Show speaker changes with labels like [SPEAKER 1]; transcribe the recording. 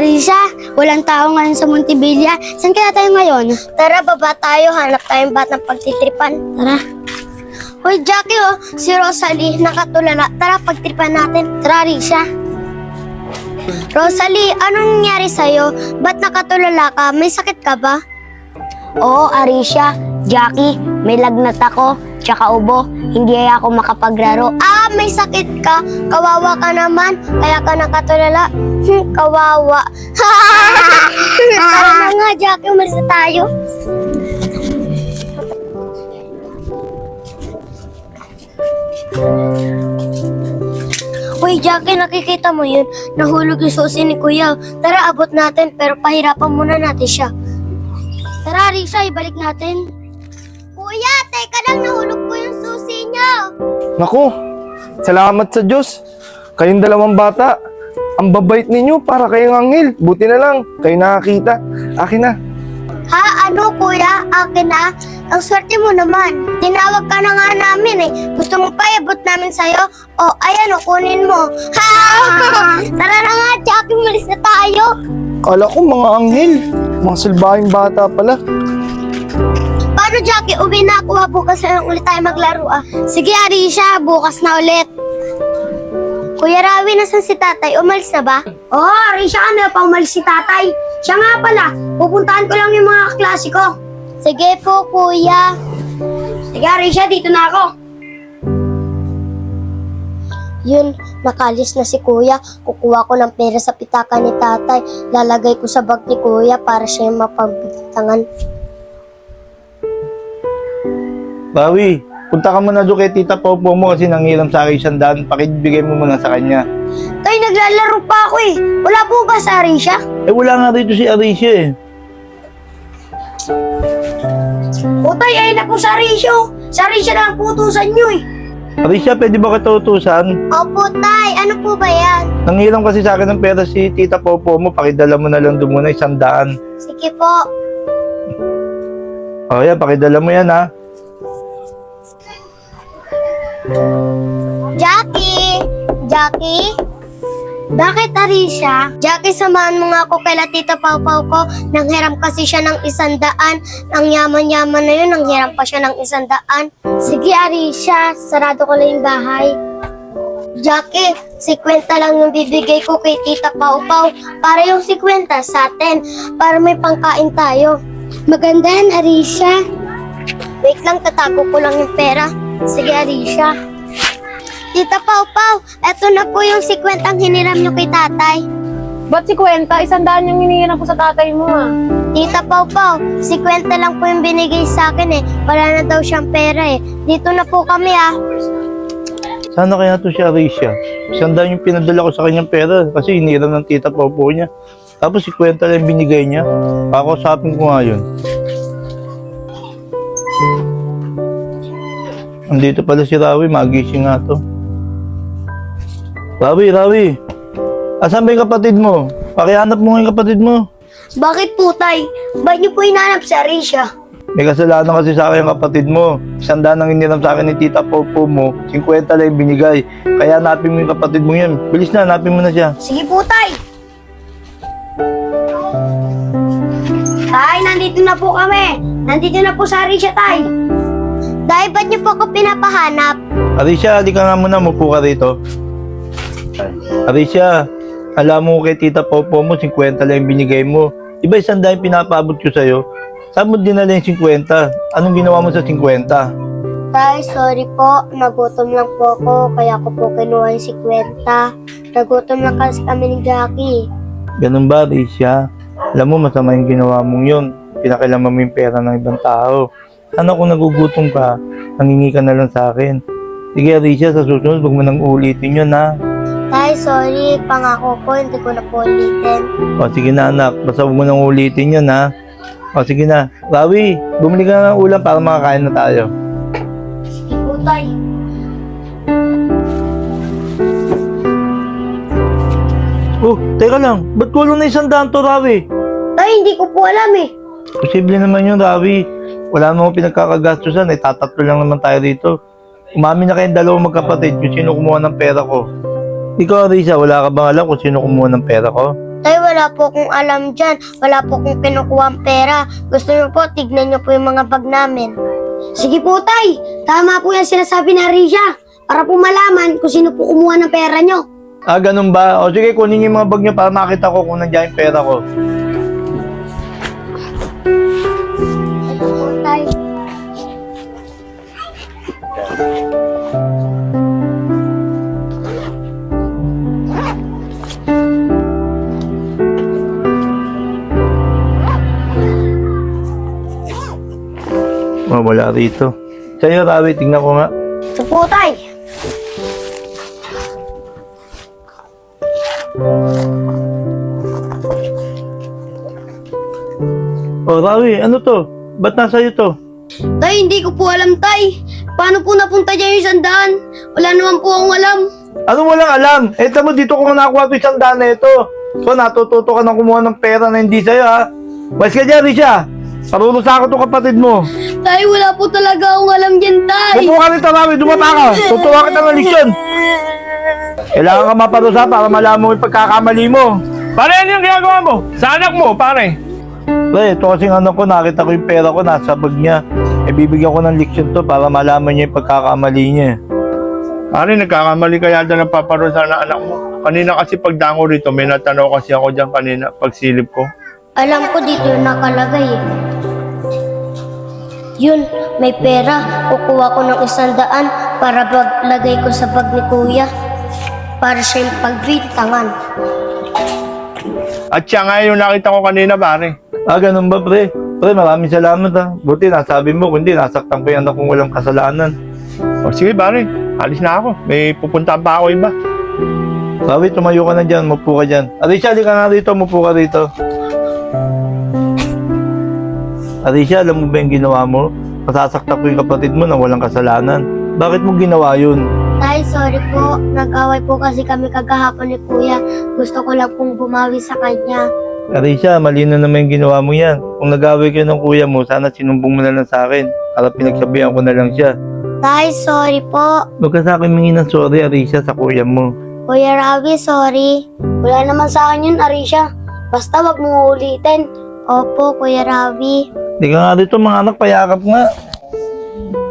[SPEAKER 1] Arisa, walang tao ngayon sa Montevilla. Saan kaya tayo ngayon? Tara, baba tayo. Hanap tayong batang pagtitripan. Tara. Hoy, Jackie, oh. Si Rosalie, nakatulala. Tara, pagtripan natin. Tara, Arisa. Rosalie, anong nangyari sa'yo? Ba't nakatulala ka? May sakit ka ba? Oo, Arisha. Jackie, may lagnat ako. Tsaka ubo. Hindi ako makapaglaro. Ah, may sakit ka. Kawawa ka naman. Kaya ka nakatulala. Kawawa. Tara na nga, Jackie. Umalis na tayo. Uy, Jackie, nakikita mo yun? Nahulog yung susi ni Kuya. Tara, abot natin, pero pahirapan muna natin siya. Tara, Risa, ibalik natin. Kuya, teka lang, nahulog po yung susi niyo.
[SPEAKER 2] Naku, salamat sa Diyos. Kayong dalawang bata, ang babait ninyo para kayong anghel. Buti na lang, kayo nakakita. Akin na.
[SPEAKER 1] Ha? Ano, Kuya? Akin na? Ang swerte mo naman. Tinawag ka na nga namin eh. Gusto mo pa iabot namin sa'yo? O, ayan o, kunin mo. Ha! Tara na nga, Jackie, malis na tayo.
[SPEAKER 2] Kala ko mga anghel. Mga silbahing bata pala.
[SPEAKER 1] Paano, Jackie? Uwi na ako ha. Bukas na lang ulit tayo maglaro ah. Sige, Arisha. Bukas na ulit. Kuya Rawi, nasan si tatay? Umalis na ba? Oo, Arisha, ano pa umalis si tatay? Siya nga pala. Pupuntahan ko lang yung mga kaklase ko. Sige po, kuya. Sige, Arisha, dito na ako. Yun, nakalis na si kuya. Kukuha ko ng pera sa pitaka ni tatay. Lalagay ko sa bag ni kuya para siya yung mapagbitangan.
[SPEAKER 3] Bawi, punta ka muna doon kay Tita Popo mo kasi nanghiram sa akin 100. Pakibigay mo muna sa kanya.
[SPEAKER 1] Tay, naglalaro pa ako eh. Wala po ba sa Arisha?
[SPEAKER 3] Eh wala nga rito si Arisha eh.
[SPEAKER 1] O tay, ayun na po sa Arisha. Sa Arisha na ang putusan nyo eh.
[SPEAKER 3] Arisha, pwede ba kita utusan?
[SPEAKER 1] Opo, tay. Ano po ba yan?
[SPEAKER 3] Nanghiram kasi sa akin ng pera si Tita Popo mo. Pakidala mo na lang doon muna 100.
[SPEAKER 1] Sige po.
[SPEAKER 3] O yan, pakidala mo yan ha.
[SPEAKER 1] Jackie! Jackie? Bakit, Arisha? Jackie, samahan mo nga ako kay Tita Pau-Pau ko. Nanghiram kasi siya ng 100. Ang yaman-yaman na yun, nanghiram pa siya ng 100. Sige, Arisha, sarado ko lang yung bahay. Jackie, 50 lang yung bibigay ko kay Tita Pau-Pau. Para yung 50 sa atin, para may pangkain tayo. Maganda yan, Arisha. Wait lang, tatago ko lang yung pera. Sige, Arisha. Tita Pau-Pau, eto na po yung 50 ang hiniram nyo kay tatay.
[SPEAKER 4] Ba't 50? 100 yung hinihiram ko sa tatay mo ah.
[SPEAKER 1] Tita Pau-Pau, 50 lang po yung binigay sa akin eh. Wala na daw siyang pera eh. Dito na po kami ah.
[SPEAKER 3] Sana kaya to si Arisha. 100 yung pinadala ko sa kanyang pera kasi hiniram ng Tita Popo niya. Tapos 50 lang binigay niya. Pakausapin ko nga yun. Andito pala si Rawi, magising nga to. Rawi, asan ba yung kapatid mo? Pakihanap mo nga yung kapatid mo.
[SPEAKER 1] Bakit po, tay? Ba't niyo po hinanap si Arisha?
[SPEAKER 3] May kasalanan kasi sa akin yung kapatid mo. 100 ang iniram sa akin ni Tita Popo mo, 50 lang yung binigay. Kaya hanapin mo yung kapatid mo yun. Bilis na, hanapin mo na siya.
[SPEAKER 1] Sige po, tay. Tay, nandito na po kami. Nandito na po sa Arisha, tay. Tay, ba't niyo po ako pinapahanap?
[SPEAKER 3] Arisha, di ka nga muna, mupo ka rito. Arisha, alam mo kay Tita Popo mo, 50 lang yung binigay mo. Iba 100 yung pinapabot ko sa'yo. Saan mo dinala yung 50? Anong ginawa mo sa 50?
[SPEAKER 1] Tay, sorry po. Nagutom lang po ako, kaya ko po kinuha yung 50. Nagutom lang kasi kami ni Jackie.
[SPEAKER 3] Ganun ba, Arisha? Alam mo, masama yung ginawa mong yun. Pinakilaman mo yung pera ng ibang tao. Sana kung nagugutom ka, nangingi ka na lang sa akin. Sige, Arisha, sa susunod, huwag mo nang ulitin yun, ha?
[SPEAKER 1] Tay, sorry. Pangako po, hindi ko na po ulitin.
[SPEAKER 3] O, sige na, anak. Basta huwag mo nang ulitin yun, ha? O, sige na. Rawi, bumili ka na ng ulam para makakain na tayo.
[SPEAKER 1] Sige po, tay.
[SPEAKER 3] Oh, teka lang. Ba't kulang na 100 to, Rawi?
[SPEAKER 1] Tay, hindi ko po alam eh.
[SPEAKER 3] Posible naman yun, Rawi. Wala namang pinagkakagastusan. Tatatlo lang naman tayo dito. Umamin na kayong dalawang magkapatid kung sino kumuha ng pera ko. Ikaw, Arisa, wala ka bang alam kung sino kumuha ng pera ko?
[SPEAKER 1] Tay, wala po akong alam dyan. Wala po akong kinukuha ang pera. Gusto niyo po, tignan niyo po yung mga bag namin. Sige po, Tay. Tama po yan sinasabi ni Arisha. Para po malaman kung sino po kumuha ng pera niyo.
[SPEAKER 3] Ah, ganun ba? O sige, kunin niyo yung mga bag niyo para makita ko kung nandiyan yung pera ko.
[SPEAKER 1] Ito po, Tay.
[SPEAKER 3] Wala rito. Sa'yo, Rawi, tingnan ko nga.
[SPEAKER 1] Ito po, Tay.
[SPEAKER 3] Oh, Rawi, ano to? Ba't nasa iyo to?
[SPEAKER 1] Tay, hindi ko po alam, Tay. Paano po napunta dyan yung 100? Wala naman po akong alam.
[SPEAKER 3] Ano walang alam? Eto mo, dito ko nga nakuha ito 100 na ito. So, natututo ka na kumuha ng pera na hindi sa'yo, ha? Wais ka dyan, Risha. Parurusa ako itong kapatid mo.
[SPEAKER 1] Tay, wala po talaga akong alam dyan, Tay.
[SPEAKER 3] Upo ka rito, Rawi. Dumata ka. Tutuwa kita ng leksyon. Kailangan ka maparusa para malaman mo yung pagkakamali mo.
[SPEAKER 2] Pare, ano yung ginagawa mo? Sa anak mo, pare.
[SPEAKER 3] Pre, ito kasing ano ko, nakita ko yung pera ko, nasa bag niya. E bibigyan ko ng leksyon to para malaman niya yung pagkakamali niya.
[SPEAKER 2] Pare, nagkakamali ka yata ng paparusa ng anak mo. Kanina kasi pagdango rito, may natanaw kasi ako dyan kanina, pagsilip ko.
[SPEAKER 1] Alam ko dito yung nakalagay eh. Yun, may pera. Kukuha ko ng 100 para lagay ko sa bag ni Kuya. Para siya yung pagbintangan.
[SPEAKER 2] At siya nga yung nakita ko kanina, pare.
[SPEAKER 3] Ah, ganun ba, pre? Pre, maraming salamat, ha. Buti nasabi mo, kundi nasaktan ko yung anak kong walang kasalanan.
[SPEAKER 2] O sige, pare. Alis na ako. May pupuntahan pa ako iba.
[SPEAKER 3] Rawi, tumayo ka na dyan, mupo ka dyan. Arisha, di ka nga rito, mupo ka rito. Arisha, alam mo ba yung ginawa mo? Masasaktan ko yung kapatid mo na walang kasalanan. Bakit mo ginawa yun?
[SPEAKER 1] Tay, sorry po. Nag-away po kasi kami kagahapon ni Kuya. Gusto ko lang pong bumawi sa kanya.
[SPEAKER 3] Arisha, mali na naman yung ginawa mo yan. Kung nag-away kayo ng kuya mo, sana sinumbong mo na lang sa akin. Para pinagsabihan ko na lang siya.
[SPEAKER 1] Tay, sorry po.
[SPEAKER 3] Huwag ka sa akin mingi ng sorry, Arisha, sa kuya mo.
[SPEAKER 1] Kuya Ravi, sorry. Wala naman sa akin yun, Arisha. Basta wag mo ulitin. Opo, Kuya Ravi.
[SPEAKER 3] Hindi ka nga dito, mga anak, payakap nga.